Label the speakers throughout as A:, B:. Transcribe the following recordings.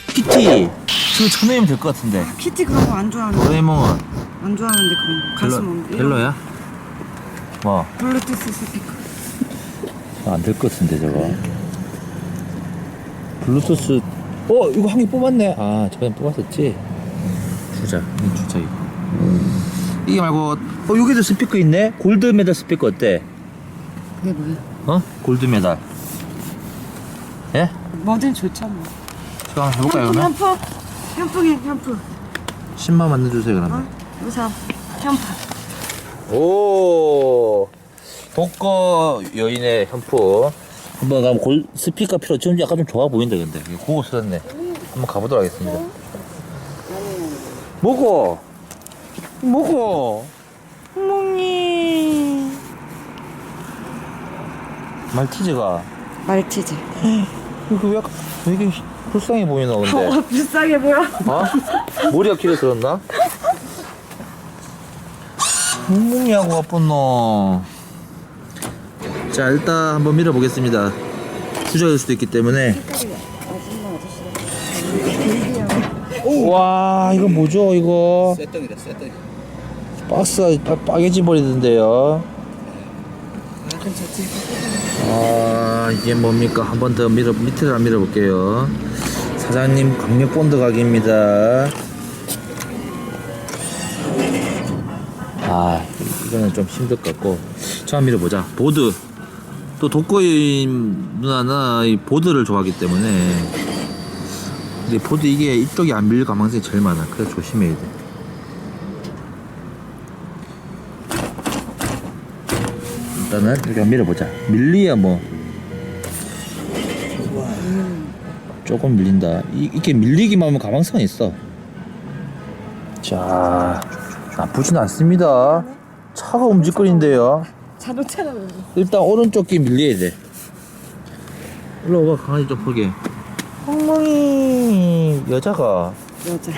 A: 키티 그거 쳐내면 될 것 같은데.
B: 키티 그런 거 안 좋아하는데.
A: 도레이몽은
B: 안 좋아하는데 그런 거. 가슴 없는데.
A: 벨로야? 뭐?
B: 블루투스 스피커.
A: 안 될 것 같은데 저거. 블루투스. 이거 한 개 뽑았네. 아 저번에 뽑았었지. 주자 이거. 이게 말고 여기도 스피커 있네. 골드 메달 스피커 어때?
B: 그게 뭐야?
A: 골드 메달. 예?
B: 뭐든 좋잖아.
A: 제가 한번 해볼까요 그러면?
B: 현풍.
A: 10만 원 만들어주세요 그러면.
B: 우선 현풍.
A: 오 독거 여인의 현품 한번 가면 스피커 필요. 지금 약간 좀 좋아 보인다. 근데 고급스럽네. 한번 가보도록 하겠습니다. 먹어
B: 어머니.
A: 말티즈가
B: 말티즈.
A: 이거 왜 이렇게 불쌍해 보이나 근데.
B: 불쌍해 보여.
A: 머리가 길어졌나? 묵묵이하고 아픈 놈. 자 일단 한번 밀어보겠습니다. 부자일 수도 있기 때문에. 와 이거 뭐죠 이거?
C: 쇠떡이다.
A: 박스가 빠개지 버리던데요. 이게 뭡니까? 한 번 더 밑에를 밀어볼게요. 사장님 강력 본드 가게입니다. 이거는 좀 힘들 것 같고. 자 밀어보자. 보드. 또 독거인 누나는 이 보드를 좋아하기 때문에. 근데 보드 이게 이쪽이 안 밀릴 가능성이 제일 많아. 그래서 조심해야 돼. 일단은 이렇게 밀어보자. 밀리야 뭐 조금 밀린다. 이렇게 밀리기만 하면 가망성은 있어. 자 나쁘진 않습니다. 차가 움직거린대요.
B: 자동차라.
A: 일단 오른쪽 귀 밀려야 돼. 일로 와봐. 강아지 좀 보게. 엉망이 여자가.
B: 여자.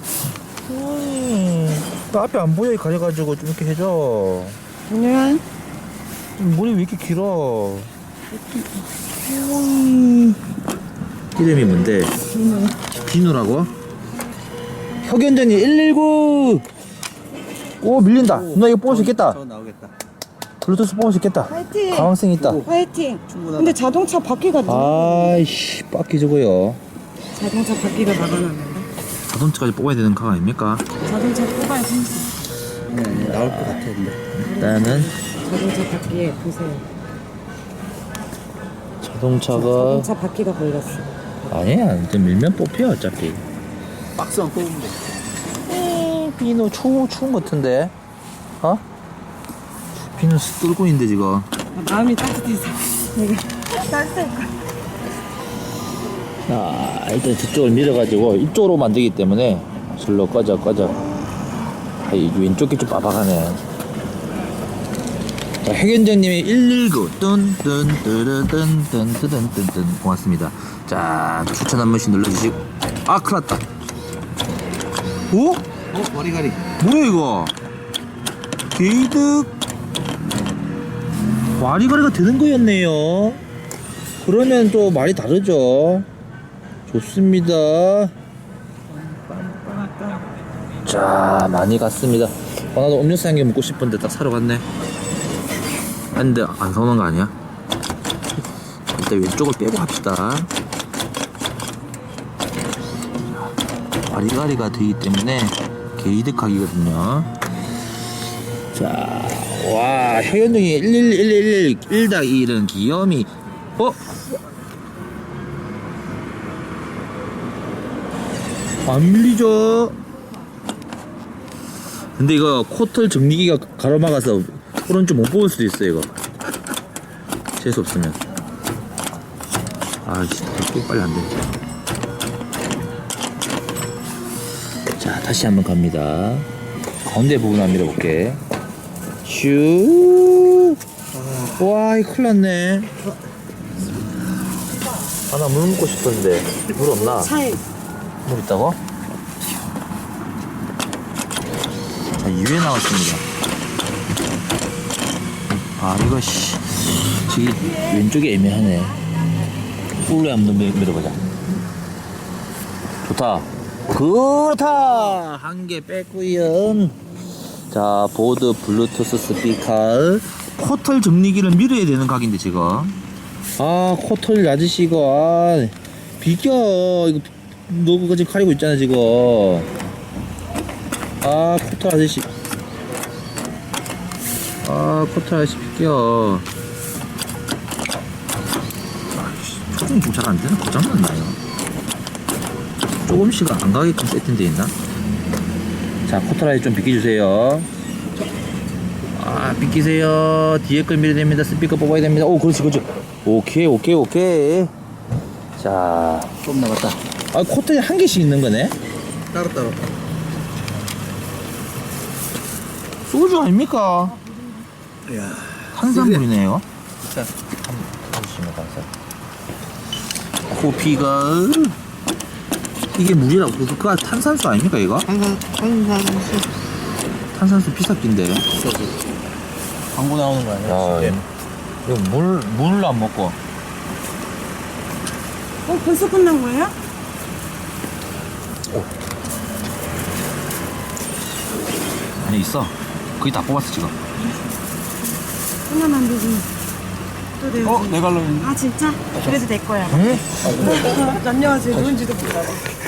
A: 나 앞에 안 보여. 가려가지고 좀 이렇게 해줘.
B: 안녕.
A: 머리 왜 이렇게 길어? 이름이 뭔데? 비누라고? 혁연전이 119. 오 밀린다. 누나 이거 뽑을 수 있겠다.
C: 저 나오겠다.
A: 블루투스 뽑을 수 있겠다.
B: 화이팅.
A: 가망성 있다.
B: 화이팅.
C: 충분하다.
B: 근데 자동차 바퀴가
A: 아이씨 빡기 저거요.
B: 자동차 바퀴가 막아놨는데.
A: 자동차까지 뽑아야 되는 강 아닙니까?
B: 자동차 뽑아야 생겼어.
C: 나올 것 같아 근데.
A: 일단은
B: 자동차 바퀴에 보세요.
A: 자동차가
B: 자동차 바퀴가 걸렸어.
A: 아니야. 이제 밀면 뽑혀 어차피.
C: 박스만 뽑으면 돼.
A: 비누 추운 것 같은데. 비누 뚫고 있는데 지금.
B: 마음이 따뜻해서. 내가 따뜻해.
A: 자 일단 저쪽을 밀어가지고 이쪽으로 만들기 때문에 절로 꺼져. 이 왼쪽이 좀 빠박하네. 자 혜견장님이 119 뚠뚠뚠뚠뚠뚠뚠 고맙습니다. 자 추천 한 번씩 눌러주시고. 큰일났다. 오?
C: 머리가리.
A: 뭐야 이거? 게이득 와리가리가 되는 거였네요. 그러면 또 말이 다르죠. 좋습니다. 자 많이 갔습니다. 나도 음료수 한 개 먹고 싶은데 딱 사러 갔네. 근데 안 사오는 거 아니야? 일단 왼쪽을 빼고 합시다. 와리가리가 되기 때문에 게이득하기거든요. 자, 와, 혜연동이 11111 귀염이. 안 밀리죠? 근데 이거 코털 정리기가 가로막아서 오른쪽 못 뽑을 수도 있어 이거. 재수 없으면. 아이씨, 빨리 안 돼. 자, 다시 한번 갑니다. 가운데 부분 한번 밀어볼게. 슈. 와, 이거 큰일 났네. 나 물 먹고 싶었는데 물 없나?
B: 차에.
A: 물 있다고? 자, 2회 나왔습니다. 이거 저기 왼쪽이 애매하네. 꿀로 한번 밀어보자. 좋다. 그렇다. 한 개 뺐구요. 자, 보드 블루투스 스피커. 코털 정리기를 밀어야 되는 각인데 지금. 아, 코털 아저씨 이거 비껴. 이거 너 그거 지금 가리고 있잖아 지금. 아, 코털 아저씨. 아, 코털 아저씨 비껴. 조금 좀 잘 안 되나? 고장났나요? 조금씩 안 가게끔 세팅되어 있나? 자, 코털 아저씨 좀 비켜주세요. 아, 비키세요. 뒤에 걸 밀어야 됩니다. 스피커 뽑아야 됩니다. 오, 그렇지, 그렇지. 오케이, 오케이, 오케이. 자,
C: 좀 남았다.
A: 아, 코털이 한 개씩 있는 거네?
C: 따로따로.
A: 소주 아닙니까?
C: 이야.
A: 탄산물이네요.
C: 자,
A: 보시면 감사. 코피가 이게 물이라고 그거 탄산수 아닙니까 이거?
C: 탄산수.
A: 탄산수 피삭기인데.
C: 광고 나오는 거 아니야?
A: 아, 이거 물을 안 먹고.
B: 벌써 끝난 거예요?
A: 아니 있어. 거의 다 뽑았어 지금.
B: 하나만 되지. 또 내야지.
C: 내 갈로 있는데.
B: 아 진짜? 그래도 내 거야.
A: 응?
B: 안녕하세요. 누군지도 몰라.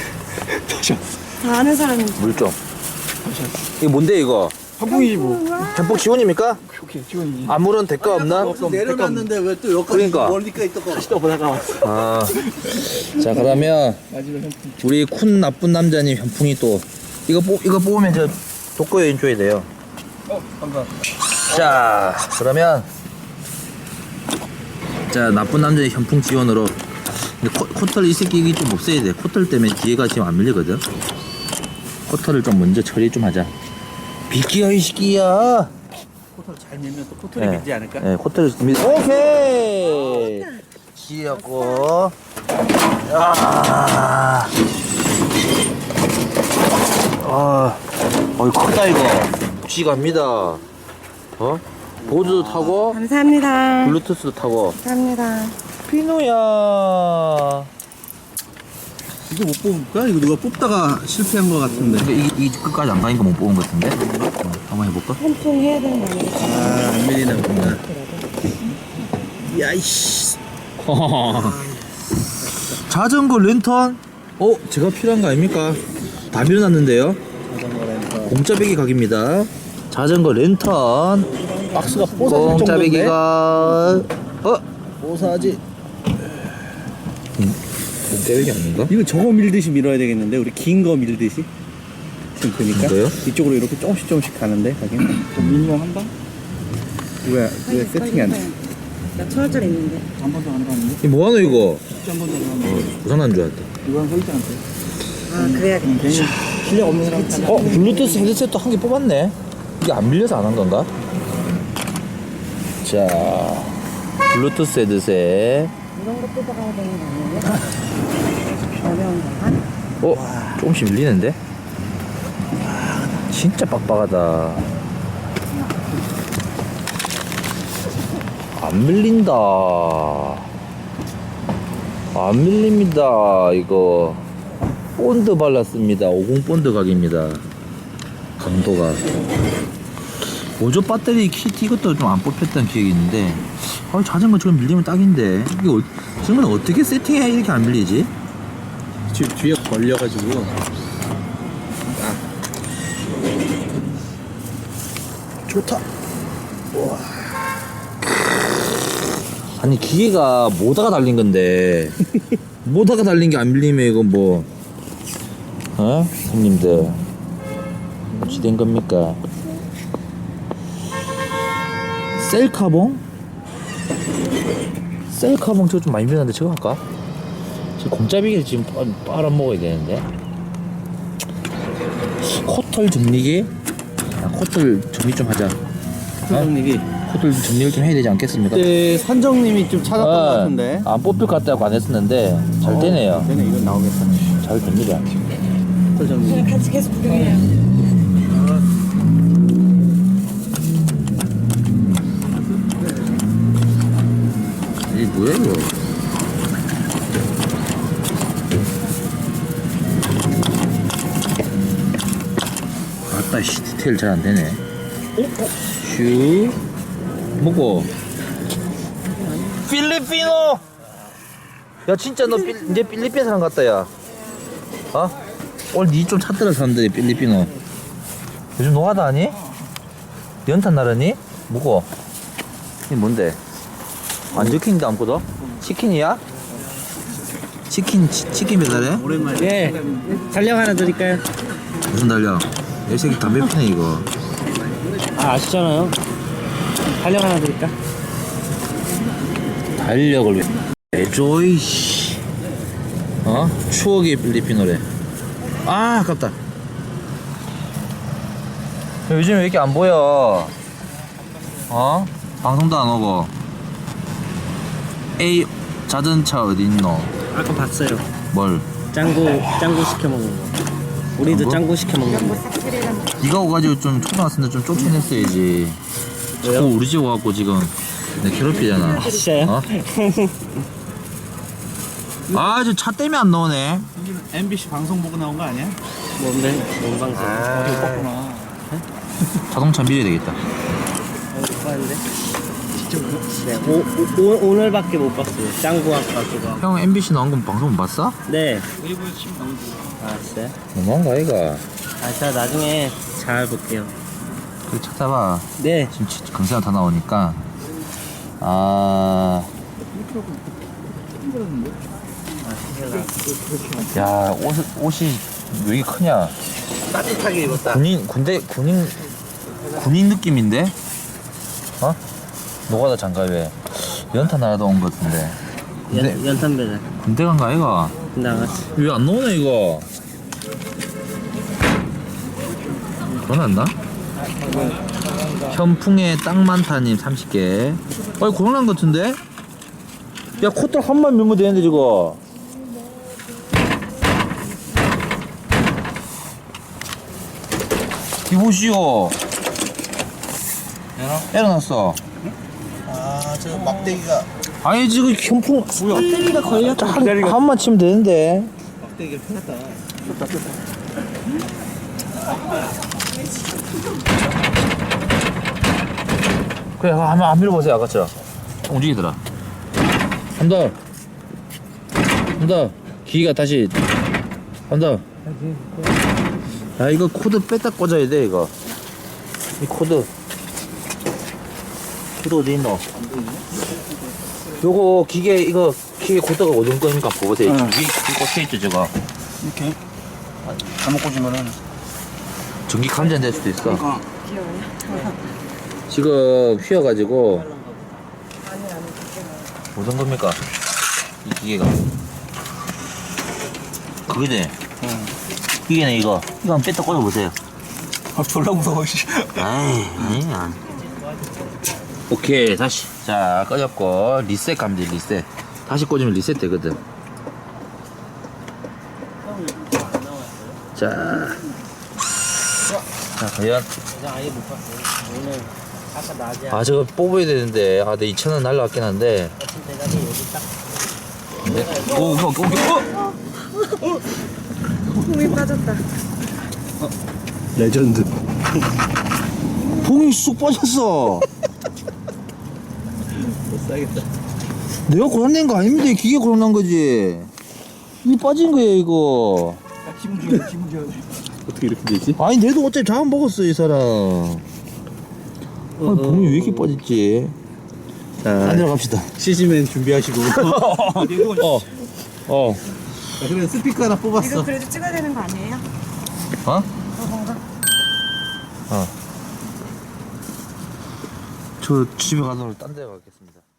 B: 다 아는 사람인지.
A: 물 좀. 이거 뭔데 이거?
C: 한풍이지 뭐.
A: 전복 지원입니까?
C: 오케이, 지원이.
A: 아무런 대가 없나?
C: 내려놨는데 왜 또 여기까지
A: 그러니까.
C: 멀리까지 또 보다가 왔어.
A: 아. 자 그러면
C: 마지막 한풍.
A: 우리 쿤 나쁜 남자님 현풍이 또 이거 뽑으면 저 독거 여인 줘야 돼요.
C: 감사합니다.
A: 자 그러면 자 나쁜 남자의 현풍 지원으로 근데 코털 이 새끼 이게 좀 없애야 돼. 코털 때문에 뒤에가 지금 안 밀리거든. 코털을 좀 먼저 처리 좀 하자. 비키야 이 새끼야.
C: 코털 잘 밀면 또 코털이
A: 네.
C: 밀지 않을까?
A: 네, 코털을 밀. 오케이. 지었고. 아. 어이 크다 이거. 쥐 갑니다. 어? 보드도 타고
B: 감사합니다.
A: 블루투스도 타고.
B: 감사합니다.
A: 피노야.
C: 이거 못 뽑을까? 이거 누가 뽑다가 실패한 거 같은데.
A: 근데 이 끝까지 안 가니까 못 뽑은 것 같은데. 한번 해볼까?
B: 한통 해야 되는 거 아니겠지?
C: 아, 안 밀리나 보다. 야이씨.
A: 자전거 랜턴? 제가 필요한 거 아닙니까? 다 밀어놨는데요. 공짜배기 각입니다. 자전거 랜턴.
C: 박스가 뽀사질 정도인데?
A: 공짜배기가
C: 뽀사지.
A: 공짜배기 아닌가?
C: 이거 저거 밀듯이 밀어야 되겠는데? 우리 긴 거 밀듯이? 지금 보니까
A: 이거요?
C: 이쪽으로 이렇게 조금씩 가는데 가긴 좀 밀면 한다? 왜 세팅이 안 돼?
B: 나 1,000원짜리 있는데.
C: 한 번도 안 해봤는데?
A: 이 뭐하노 이거?
C: 한 번도 안 해봤는데?
A: 고장난 줄 알았다.
C: 이거랑 서 있지 않대?
B: 아 그래야겠다.
C: 괜히 실력 없는 사람
A: 블루투스 헤드셋도 한 개 뽑았네. 이게 안 밀려서 안 한 건가? 자, 블루투스 헤드셋.
B: 이런 거 뽑아가야 되는 거 아니에요? 어려운 건가?
A: 조금씩 밀리는데? 진짜 빡빡하다. 안 밀린다. 안 밀립니다. 이거 본드 발랐습니다. 50 본드 각입니다. 강도가. 보조 배터리 키트 이것도 좀 안 뽑혔던 기억이 있는데 자전거 저거 밀리면 딱인데 이거 저건 어떻게 세팅해야 이렇게 안 밀리지?
C: 지금 뒤에 걸려가지고 좋다.
A: 아니 기계가 모다가 달린 건데 모다가 달린 게 안 밀리면 이건 뭐 형님들 어찌 된 겁니까? 셀카봉? 셀카봉 저거 좀 많이 밀렸는데 저거 할까? 저 공짜비기를 지금 빨아먹어야 되는데 코털 정리기? 코털 정리 좀 하자.
C: 선정님이
A: 코털 정리를 좀 해야 되지 않겠습니까?
C: 그때 선정님이 좀 찾았던 것 같은데.
A: 안 뽑힐 것 같다고 안 했었는데 잘 되네요.
C: 되네, 이건 나오겠다.
A: 잘 됩니다.
C: 선정님.
B: 같이 계속 구경해요.
A: 이게 뭐야 이거? 아이씨 디테일 잘 안 되네. 슈 뭐고? 필리핀어. 야 진짜 너 이제 필리핀 사람 같다 야. 어? 오늘 니 좀 찾더라 사람들이 필리핀어. 요즘 노하다 아니? 연탄 나르니? 뭐고? 이게 뭔데? 안 적힌데 아무것도? 치킨이야? 치킨 배달해?
C: 오랜만에.
D: 예. 달력 하나 드릴까요?
A: 무슨 달려? 이 새끼 담배 피네 이거.
D: 아, 아시잖아요. 달력 하나 드릴까?
A: 달력을 왜 줘이 씨. 어? 추억의 필리핀어래. 아 아깝다. 요즘 왜 이렇게 안 보여? 어? 방송도 안 오고. A 자전차 어딨노?
D: 아까 봤어요.
A: 뭘?
D: 짱구 시켜 먹는 거. 우리도 짱구 시켜 먹는 거.
A: 네가 오가지고 좀 초등학생들 좀 쫓아냈어야지.
D: 왜요?
A: 자꾸 우리 집 와갖고 지금 내 괴롭히잖아.
D: 진짜요?
A: 어? 아, 저 차 때문에 안 나오네.
C: MBC 방송 보고 나온 거 아니야?
D: 뭔데? 뭔 방송?
C: 어디 봤구나.
A: 자동차 밀어야 되겠다.
D: 못 봤는데? 네, 오늘밖에 못 봤어요. 짱구 아까 그거.
A: 형 MBC 나온 건 방송 못 봤어?
D: 네.
C: 일부에 치면 나오고.
D: 아, 진짜요?
A: 너무한 거 아이가?
D: 아, 제가 나중에 잘 볼게요.
A: 그래 찾아봐.
D: 네.
A: 지금 강세가 다 나오니까. 아, 야 옷이 왜 이렇게 크냐?
C: 따뜻하게 입었다.
A: 군인 느낌인데? 어? 노가다 장갑에 연탄 하나도 온 것 같은데.
D: 연탄 배달.
A: 군대 간 거 아이가?
D: 나갔어.
A: 왜 안 나오네 이거? 전화했나? 현풍에 땅 많다님 30개. 아이 고장난 것 같은데? 야 코털 한번 밀면 되는데 저거. 이보시오. 에러났어.
C: 아, 저 막대기가.
A: 아니 지금 현풍
D: 배터리가 걸렸다.
A: 한번 치면 되는데.
C: 막대기가 펴놨다.
A: 그래 한번 안 밀어보세요 아까처럼. 움직이더라. 한 더. 한 더. 기가 다시. 한 더. 야 이거 코드 뺐다 꽂아야 돼 이거. 이 코드. 코드 어디 있노? 요거 기계 코드가 어디 거니까 보세요.
C: 응.
A: 여기 꽂혀있죠 저거.
C: 이렇게. 잘못 꽂으면은.
A: 전기 감전될 수도 있어.
C: 그러니까.
A: 지금 휘어가지고 무슨 겁니까? 이 기계가 그거지?
C: 응.
A: 기계네 이거 한번 뺐다 꽂아보세요.
C: 아, 졸라 무서워, 씨.
A: 아이 아니야. 오케이 다시 자 꺼졌고 리셋 가면 돼. 리셋 다시 꽂으면 리셋 되거든. 자 과연
D: 아예 못 봤어요. 오늘 아까 낮에
A: 아 저거 뽑아야 되는데 아 내 2,000원 날라갔긴 한데
D: 아침 대답이 여기 딱.
A: 네. 오
B: 공이 빠졌다.
C: 레전드.
A: 봉이 쑥 빠졌어.
C: 못 사겠다.
A: 내가 고장낸 거 아닙니다. 기계 고장난 거지. 이게 빠진 거예요 이거.
C: 기분 좋아, 기분 좋아. 어떻게 이렇게 되지?
A: 아니 내도 어차피 자원 먹었어 이 사람. 아니 봉이 왜 이렇게 빠졌지?
C: 자,
A: 안 들어갑시다.
C: 시즈맨 준비하시고.
A: 어.
C: 자, 그래, 스피커 하나
B: 이거
C: 뽑았어.
B: 그래도 찍어야 되는 거 아니에요?
A: 어?
B: 뭔가?
A: 저 집에 가서 딴 데 가겠습니다.